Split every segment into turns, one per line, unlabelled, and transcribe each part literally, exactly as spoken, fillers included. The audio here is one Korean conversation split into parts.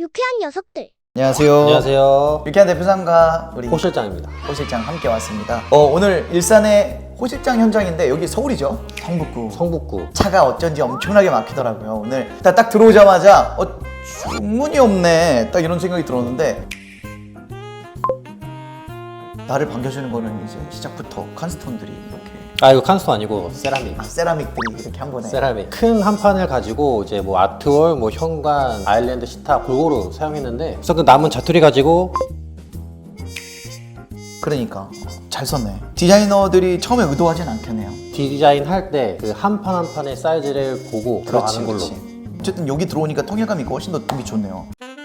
유쾌한 녀석들.
안녕하세요.
안녕하세요.
유쾌한 대표상과 우리
호 실장입니다.
호 실장 함께 왔습니다. 어, 오늘 일산의 호 실장 현장인데 여기 서울이죠? 성북구.
성북구.
차가 어쩐지 엄청나게 막히더라고요. 오늘 딱, 딱 들어오자마자 어, 주문이 없네 딱 이런 생각이 들었는데 나를 반겨주는 거는 이제 시작부터 칸스톤들이 이렇게
아 이거 칸스톤 아니고 세라믹.
아, 세라믹들이 이렇게 한 번에
세라믹. 큰 한 판을 가지고 이제 뭐 아트월, 뭐 현관, 아일랜드 시타 골고루 사용했는데 그래서 그 남은 자투리 가지고
그러니까 잘 썼네. 디자이너들이 처음에 의도하진 않겠네요.
디자인 할 때 그 한 판 한 판의 사이즈를 보고 들어가는 걸로.
어쨌든 여기 들어오니까 통일감 있고 훨씬 더 느낌이 좋네요.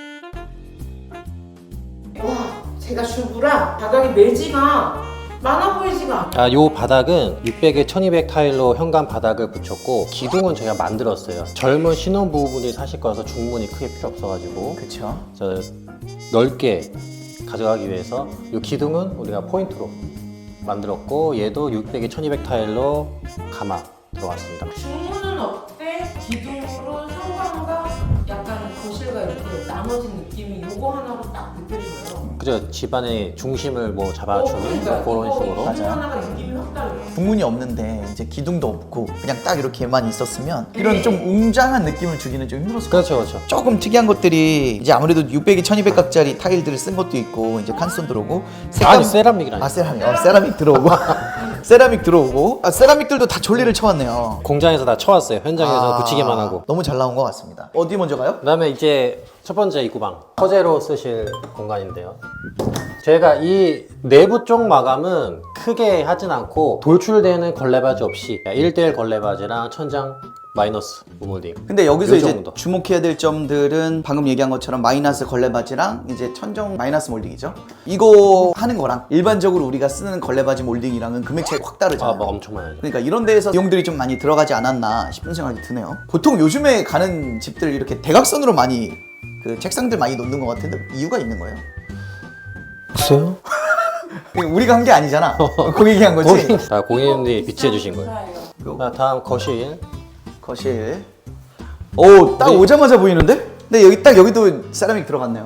와, 제가 주부라 바닥에 매지가 많아 보이지가 않아.
아, 요 바닥은 육백에 천이백 타일로 현관 바닥을 붙였고 기둥은 저희가 만들었어요. 젊은 신혼부부분이 사실 거라서 중문이 크게 필요 없어가지고
그렇죠.
저 넓게 가져가기 위해서 이 기둥은 우리가 포인트로 만들었고 얘도 육백에 천이백 타일로 가마 들어갔습니다.
중문은 어때? 기둥으로 현관과 약간 거실과 이렇게 나눠진 느낌이 요거 하나로 딱 느껴져요.
그죠? 집안의 중심을 뭐
어,
잡아주는
그러니까
그런
이거
식으로.
기둥
맞아요.
하나가 느낌이 확 달라요.
중문이 없는데 이제 기둥도 없고 그냥 딱 이렇게만 있었으면 이런 좀 웅장한 느낌을 주기는 좀 힘들었을 것 같아요.
그렇죠, 그렇죠.
조금 특이한 것들이 이제 아무래도 육백에 천이백 각짜리 타일들을 쓴 것도 있고 이제 칸스톤 들어오고
아니 세라믹이라니.
아 세라믹 어, 세라믹 들어오고 세라믹 들어오고 아 세라믹들도 다 졸리를 쳐왔네요.
공장에서 다 쳐왔어요. 현장에서
아,
붙이기만 하고.
너무 잘 나온 것 같습니다. 어디 먼저 가요?
그다음에 이제 첫 번째 입구방 서재로 쓰실 공간인데요. 저희가 이 내부 쪽 마감은 크게 하진 않고 돌출되는 걸레바지 없이 일 대일 걸레바지랑 천장 마이너스 우몰딩.
근데 여기서
요
이제
정도.
주목해야 될 점들은 방금 얘기한 것처럼 마이너스 걸레바지랑 이제 천정 마이너스 몰딩이죠. 이거 하는 거랑 일반적으로 우리가 쓰는 걸레바지 몰딩이랑은 금액 차이 확 다르잖아요.
아, 뭐 엄청 많아요.
그러니까 이런 데에서 비용들이 좀 많이 들어가지 않았나 싶은 생각이 드네요. 보통 요즘에 가는 집들 이렇게 대각선으로 많이 그 책상들 많이 놓는 것 같은데 이유가 있는 거예요?
글쎄요?
우리가 한 게 아니잖아. 고객이 한 거지.
고객, 자, 고객님들이 비치해 주신 거예요.
감사해요.
자, 다음 거실.
거실. 오, 딱
우리-
오자마자 보이는데? 근데 여기 딱 여기도 세라믹 들어갔네요.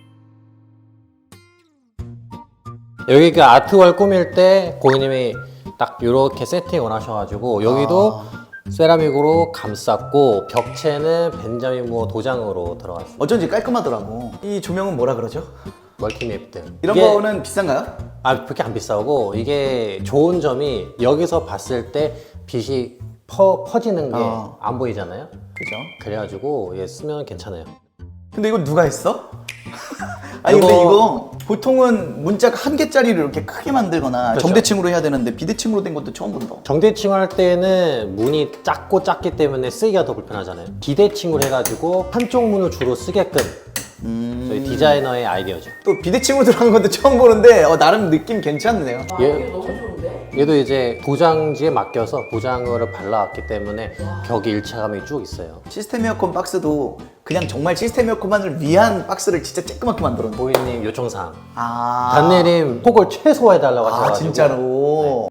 여기 그 아트월 꾸밀 때 고객님이 딱 이렇게 세팅을 하셔가지고 여기도
아.
세라믹으로 감쌌고 벽체는 벤자민 무어 도장으로 들어갔어요.
어쩐지 깔끔하더라고. 이 조명은 뭐라 그러죠?
멀티맵들.
이런
이게-
거는 비싼가요?
아 그렇게 안 비싸고 이게 좋은 점이 여기서 봤을 때 빛이 퍼, 퍼지는 게
어.
안 보이잖아요.
그죠?
그래가지고 얘 쓰면 괜찮아요.
근데 이거 누가 했어? 아니 근데
이거-
이거 보통은 문짝 한 개짜리를 이렇게 크게 만들거나
그렇죠.
정대칭으로 해야 되는데 비대칭으로 된 것도 처음 본다.
정대칭 할 때는 문이 작고 작기 때문에 쓰기가 더 불편하잖아요. 비대칭으로 해가지고 한쪽 문을 주로 쓰게끔
음...
저희 디자이너의 아이디어죠.
또 비대칭으로 들어간 것도 처음 보는데 어, 나름 느낌 괜찮네요.
와,
예.
이게 너무 좋은데?
얘도 이제 도장지에 맡겨서 도장을 발라왔기 때문에 벽에 일체감이 쭉 있어요.
시스템 에어컨 박스도 그냥 정말 시스템 에어컨만을 위한 박스를 진짜 쬐끄맣게 만들었네.
고객님 요청사항.
아,
단내림 폭을 최소화해달라고
아
하셔가지고
진짜로.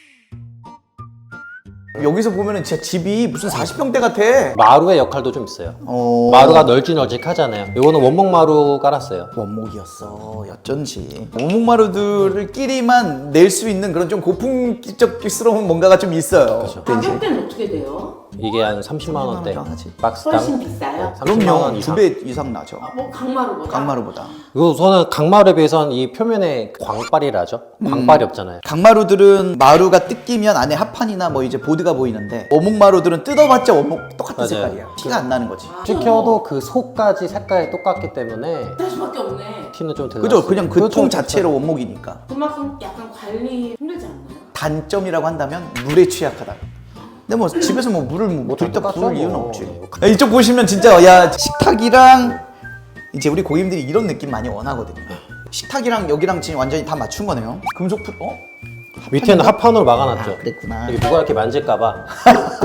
여기서 보면은 진짜 집이 무슨 사십 평대 같아.
마루의 역할도 좀 있어요.
어...
마루가 널찍널찍하잖아요. 이거는 원목 마루 깔았어요.
원목이었어. 어쩐지 원목마루들끼리만 낼 수 있는 그런 좀 고풍적스러운 뭔가가 좀 있어요.
그렇죠.
가격대는 어떻게 돼요?
이게 한 삼십만 원대.
삼십만 원 하지.
박스당.
훨씬 비싸요?
삼십만 원
그럼요.
이상.
두 배 이상 나죠.
아, 뭐 강마루보다?
강마루보다.
이거 저는 강마루에 비해서는 이 표면에 광빨이라죠. 광빨이 없잖아요.
강마루들은 마루가 뜯기면 안에 합판이나 뭐 이제 보드가 보이는데 원목마루들은 뜯어봤자 원목 똑같은
맞아요.
색깔이야. 티가 안 나는 거지.
아,
찍혀도 그 속까지 색깔이 똑같기 때문에
할 수밖에 없네.
티는 좀 들어요.
그죠? 그냥 그 통 자체로 원목이니까.
그만큼 약간 관리 힘들지 않나요?
단점이라고 한다면 물에 취약하다. 근데 뭐 집에서 뭐 물을 뭐 들다
똑같죠,
부을 이유는
뭐.
없지. 야, 이쪽 보시면 진짜 야 식탁이랑 이제 우리 고객님들이 이런 느낌 많이 원하거든요. 식탁이랑 여기랑 지금 완전히 다 맞춘 거네요. 금속 풀 어?
밑에는 합판으로 막아놨죠.
아, 그랬구나.
이게 누가 이렇게 만질까봐.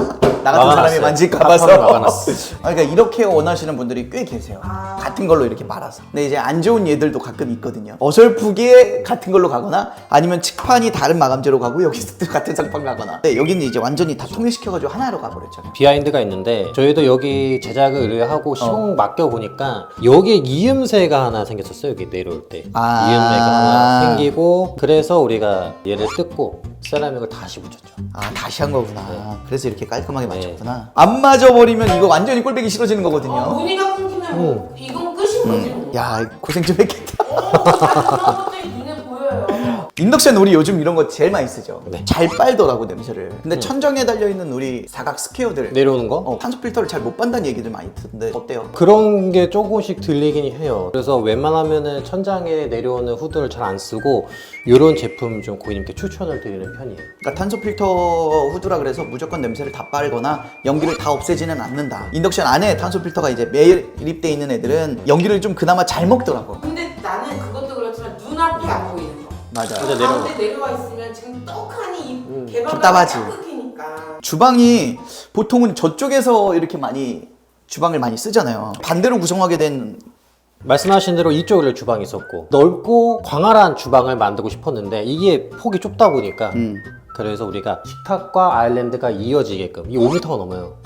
나 같은 사람이
막아놨어요.
만질까
탑판을
봐서.
막아놨어.
아, 그러니까 이렇게 원하시는 분들이 꽤 계세요.
아.
같은 걸로 이렇게 말아서. 근데 이제 안 좋은 예들도 가끔 있거든요. 어설프게 같은 걸로 가거나 아니면 측판이 다른 마감재로 가고 여기서 또 같은 상판 가거나. 네, 여기는 이제 완전히 다 통일시켜가지고 하나로 가버렸잖아요.
비하인드가 있는데 저희도 여기 제작을 의뢰하고 시공 맡겨보니까 여기에 이음새가 하나 생겼었어요. 여기 내려올 때
아.
이음새가 하나 생기고 그래서 우리가 얘를 뜯고 세라믹을 다시 붙였죠.
아, 다시 한 거구나. 그래서 이렇게 깔끔하게
네.
맞췄구나. 안 맞아버리면 이거 완전히 꼴배기 싫어지는
어,
거거든요.
무늬가 끊기면 뭐 이건 끝인 거지. 뭐.
야, 고생 좀 했겠다.
어, 그런 것들이 눈에 보여요.
인덕션 우리 요즘 이런 거 제일 많이 쓰죠.
네.
잘 빨더라고 냄새를. 근데 천정에 달려있는 우리 사각 스퀘어들
내려오는 거?
어, 탄소 필터를 잘 못 빤다는 얘기들 많이 듣는데 어때요?
그런 게 조금씩 들리긴 해요. 그래서 웬만하면은 천장에 내려오는 후드를 잘 안 쓰고 이런 제품 좀 고객님께 추천을 드리는 편이에요.
그러니까 탄소 필터 후드라 그래서 무조건 냄새를 다 빨거나 연기를 다 없애지는 않는다. 인덕션 안에 탄소 필터가 이제 매립돼 있는 애들은 연기를 좀 그나마 잘 먹더라고.
근데 나는 그것도 그렇지만 눈앞이 안 보이는 거.
맞아.
근데 내려와.
가운데 내려와 있으면 지금 떡하니 이 개방감이
답답하지.
딱 끊기니까.
주방이 보통은 저쪽에서 이렇게 많이 주방을 많이 쓰잖아요. 반대로 구성하게 된
말씀하신 대로 이쪽에 주방이 있었고 넓고 광활한 주방을 만들고 싶었는데 이게 폭이 좁다 보니까
음.
그래서 우리가 식탁과 아일랜드가 이어지게끔 이 오 미터가 넘어요.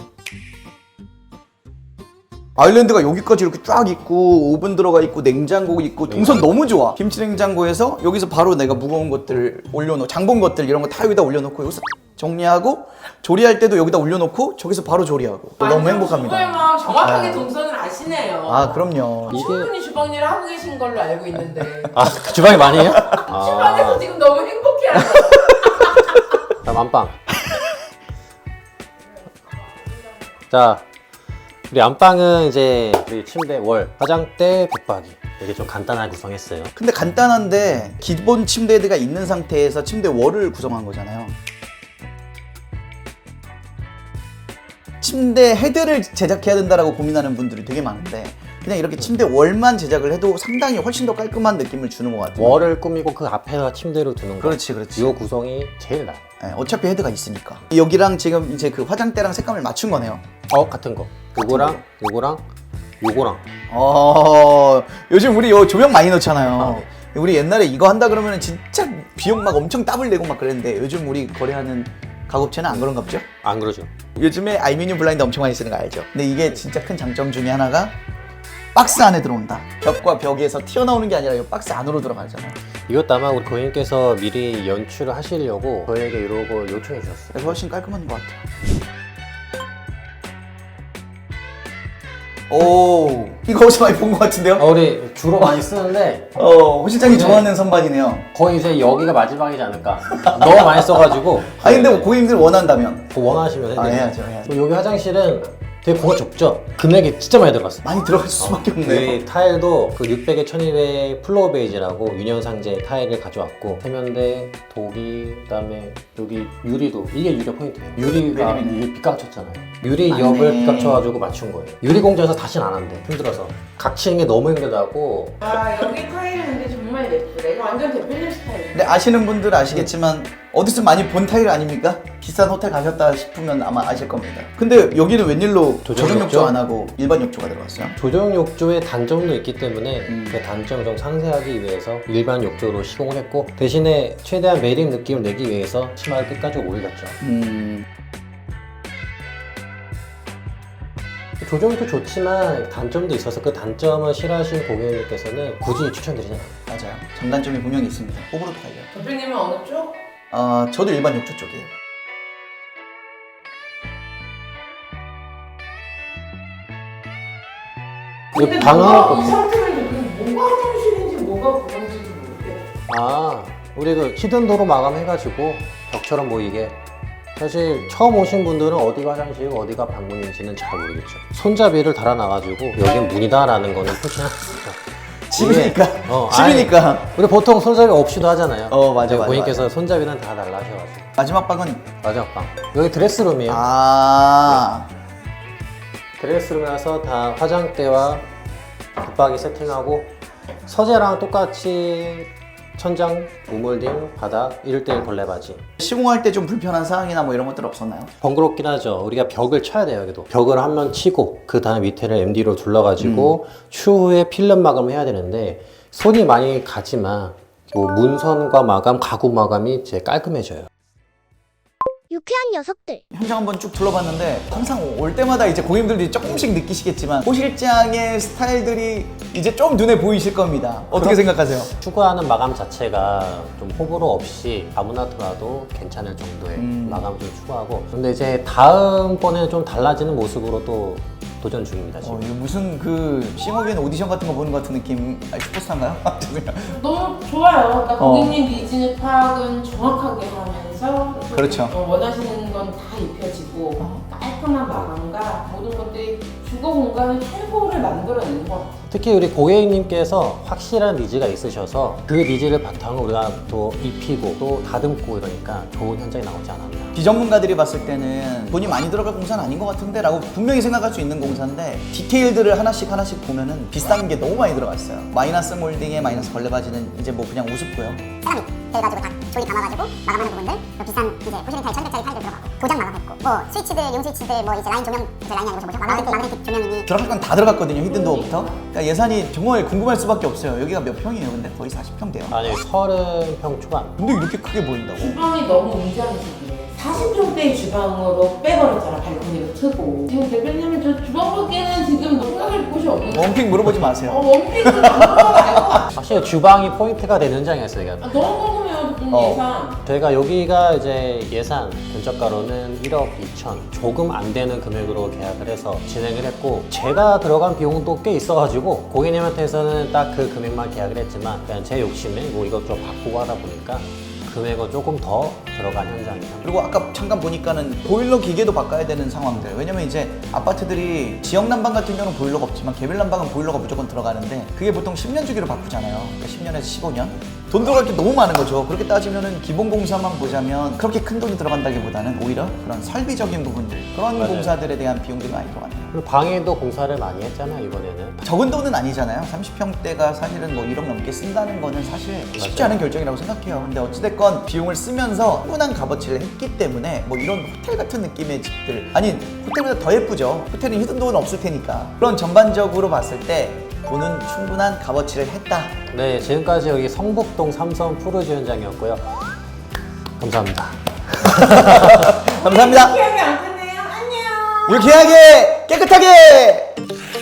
아일랜드가 여기까지 이렇게 쫙 있고 오븐 들어가 있고 냉장고 있고 동선 너무 좋아. 김치 냉장고에서 여기서 바로 내가 무거운 것들 올려놓고 장본 것들 이런 거 다 여기다 올려놓고 여기서 정리하고 조리할 때도 여기다 올려놓고 저기서 바로 조리하고 너무
정말
행복합니다.
막 정확하게
아.
동선을 아시네요.
아 그럼요.
이게-
충분히 주방 일을 하고 계신 걸로 알고 있는데
아, 그 주방이 많이 해요?
주방에서
아,
지금 너무 행복해하는
다음 안방. 자, 우리 안방은 이제 우리 침대, 월, 화장대, 붙박이 이렇게 좀 간단하게 구성했어요.
근데 간단한데 기본 침대가 있는 상태에서 침대 월을 구성한 거잖아요. 침대 헤드를 제작해야 된다라고 고민하는 분들이 되게 많은데 그냥 이렇게 침대 월만 제작을 해도 상당히 훨씬 더 깔끔한 느낌을 주는 것 같아요.
월을 꾸미고 그 앞에다 침대로 두는 거.
그렇지, 그렇지.
이 구성이 제일 나아요.
네, 어차피 헤드가 있으니까. 여기랑 지금 이제 그 화장대랑 색감을 맞춘 거네요.
어, 같은 거. 요거랑 요거랑 요거랑
어, 요즘 우리 요 조명 많이 넣잖아요.
아, 네.
우리 옛날에 이거 한다 그러면 진짜 비용 막 엄청 따블 내고 막 그랬는데 요즘 우리 거래하는 가구업체는 안 그런가 보죠?
안 그러죠.
요즘에 알루미늄 블라인드 엄청 많이 쓰는 거 알죠? 근데 이게 진짜 큰 장점 중에 하나가 박스 안에 들어온다. 벽과 벽에서 튀어나오는 게 아니라 이 박스 안으로 들어가잖아요.
이것도 아마 우리 고객님께서 미리 연출을 하시려고 저희에게 이런 걸 요청해 주셨어요.
그래서 훨씬 깔끔한 것 같아요. 오, 이거 어디서 많이 본 것 같은데요?
어, 우리 주로 많이 쓰는데
어, 호 실장이
네.
좋아하는 선반이네요.
거의 이제 여기가 마지막이지 않을까. 너무 많이 써가지고.
아니 근데 뭐 고객님들 원한다면
그거 원하시면
아,
해드려요.
해야죠, 해야죠.
여기 화장실은 되게 공간 좁죠? 금액이 진짜 많이 들어갔어.
많이 들어갈 수밖에 없네요.
이 타일도 그 육백에 천이백 플로어 베이지라고 유년상제 타일을 가져왔고 세면대, 도기, 그다음에 여기 유리도 이게 유리 포인트예요. 유리가
매립이네.
이 빗각쳤잖아요. 유리
맞네.
옆을 빗각쳐가지고 맞춘 거예요. 유리 공장에서 다시는 안 한대. 힘들어서 각치는 게 너무 힘들다고.
아 여기 타일은 근데 정말 예쁘네. 이거 완전 대표님 스타일.
근데 아시는 분들 아시겠지만 어디서 많이 본 타일 아닙니까? 비싼 호텔 가셨다 싶으면 아마 아실 겁니다. 근데 여기는 웬일로
조정
조정 욕조
욕조?
안 하고 일반 욕조가 들어갔어요?
조정 욕조의 단점도 있기 때문에
음.
그 단점을 좀 상쇄하기 위해서 일반 욕조로 시공을 했고 대신에 최대한 매립 느낌을 내기 위해서 치마를 끝까지 올렸죠.
음,
조정도 좋지만 단점도 있어서 그 단점을 싫어하시는 고객님께서는 굳이 추천드리지 않아요.
맞아요. 장단점이 분명히 있습니다. 호불호도 갈려요.
대표님은 어느 쪽?
어, 저도 일반 욕조 쪽이에요.
근데
방은
뭐가 이
어때?
상태면 여기 뭐가 화장실인지 뭐가 구멍인지도 모르겠어.
아, 우리 그 히든 도로 마감해가지고 벽처럼 보이게. 사실 처음 오신 분들은 어디가 화장실이고 어디가 방문인지는 잘 모르겠죠. 손잡이를 달아놔가지고 여긴 문이다라는 거는 표시해놨습니다.
집이니까.
이게- 어,
집이니까.
아니, 우리 보통 손잡이 없이도 하잖아요.
어, 맞아,
근데
맞아,
고객님께서 손잡이는 다 달라 하셔가지고.
마지막 방은
마지막 방. 여기 드레스룸이에요.
아,
드레스룸이라서 다 화장대와 붙박이 세팅하고 서재랑 똑같이 천장, 우물딩, 바닥, 일 대일 걸레바지.
시공할 때 좀 불편한 사항이나 뭐 이런 것들 없었나요?
번거롭긴 하죠. 우리가 벽을 쳐야 돼요, 여기도. 벽을 한 면 치고 그 다음에 밑에를 엠디로 둘러가지고
음.
추후에 필름 마감을 해야 되는데 손이 많이 가지만 뭐 문선과 마감, 가구 마감이 이제 깔끔해져요.
유쾌한 녀석들.
현장 한번 쭉 둘러봤는데 항상 올 때마다 이제 고객님들이 조금씩 느끼시겠지만 호 실장의 스타일들이 이제 좀 눈에 보이실 겁니다. 어떻게
그럼-
생각하세요?
추구하는 마감 자체가 좀 호불호 없이 아무나 들어도 괜찮을 정도의
음.
마감을 좀 추구하고, 근데 이제 다음번에는 좀 달라지는 모습으로 또 도전 중입니다, 지금.
어, 이거 무슨 그 싱어게인 오디션 같은 거 보는 것 같은 느낌. 아, 슈퍼스타인가요? 죄송해요.
너무 좋아요. 그러니까
어.
고객님 니즈 파악은 정확하게 하면서
그렇죠.
어, 원하시는 건 다 입혀지고 깔끔한 마감과 모든 것들이 주거 공간의 최고를 만들어내는 것 같아요.
특히 우리 고객님께서 확실한 니즈가 있으셔서 그 니즈를 바탕으로 우리가 또 입히고 또 다듬고 이러니까 좋은 현장이 나오지 않았나.
비전문가들이 봤을 때는 돈이 많이 들어갈 공사는 아닌 것 같은데 라고 분명히 생각할 수 있는 공사인데 디테일들을 하나씩 하나씩 보면은 비싼 게 너무 많이 들어갔어요. 마이너스 몰딩에 마이너스 걸레바지는 이제 뭐 그냥 우습고요.
세라믹 돼가지고 다 조립 감아가지고 마감하는 부분들 또 비싼 이제 포시링 타일 천백 짜리 타일들 들어가고 도장 마감했고 뭐 스위치들 용 스위치들 뭐 이제 라인 조명 이제 라인이 아니고 뭐죠? 마그네틱 마그네틱 조명이니
들어갈 건 다 들어갔거든요. 히든 도어부터. 그러니까 예산이 정말 궁금할 수밖에 없어요. 여기가 몇 평이에요? 근데 거의 사십 평 돼요.
아니, 서른 평 초반.
근데 이렇게 크게 보인다고?
주방이 너무 웅장해서 사십 평대의 주방으로 빼버렸잖아. 발코니를 트고. 지금 대표님은 저 주방 밖에는 지금 생각할 곳이 없는 거.
원픽 물어보지 마세요.
어, 원피스 너무
확실히 주방이 포인트가 되는 현장이었어요, 이게.
아, 너무 궁금해요. 대표님
어.
예산.
저희가 여기가 이제 예산 견적가로는 일억 이천, 조금 안 되는 금액으로 계약을 해서 진행을 했고, 제가 들어간 비용도 꽤 있어가지고 고객님한테서는 딱 그 금액만 계약을 했지만 그냥 제 욕심에 뭐 이것저것 바꾸고 하다 보니까 금액은 조금 더 들어간 현장이에요.
그리고 아까 잠깐 보니까는 보일러 기계도 바꿔야 되는 상황들. 왜냐면 이제 아파트들이 지역 난방 같은 경우는 보일러가 없지만 개별 난방은 보일러가 무조건 들어가는데 그게 보통 십 년 주기로 바꾸잖아요. 그러니까 십 년에서 십오 년. 돈 들어갈 게 너무 많은 거죠. 그렇게 따지면은 기본 공사만 보자면 그렇게 큰 돈이 들어간다기보다는 오히려 그런 설비적인 부분들, 그런
맞아요.
공사들에 대한 비용들이 많이 들어가네요.
그리고 방에도 공사를 많이 했잖아요, 이번에는.
적은 돈은 아니잖아요. 삼십 평대가 사실은 뭐 일억 넘게 쓴다는 거는 사실 쉽지
맞아요.
않은 결정이라고 생각해요. 근데 어찌됐건 비용을 쓰면서 충분한 값어치를 했기 때문에 뭐 이런 호텔 같은 느낌의 집들, 아니 호텔보다 더 예쁘죠. 호텔은 히든 돈은 없을 테니까. 그런 전반적으로 봤을 때 돈은 충분한 값어치를 했다.
네, 지금까지 여기 성북동 삼성 푸르지 현장이었고요. 감사합니다.
감사합니다.
기억이 안 끝내요. 안녕.
유쾌하게 깨끗하게.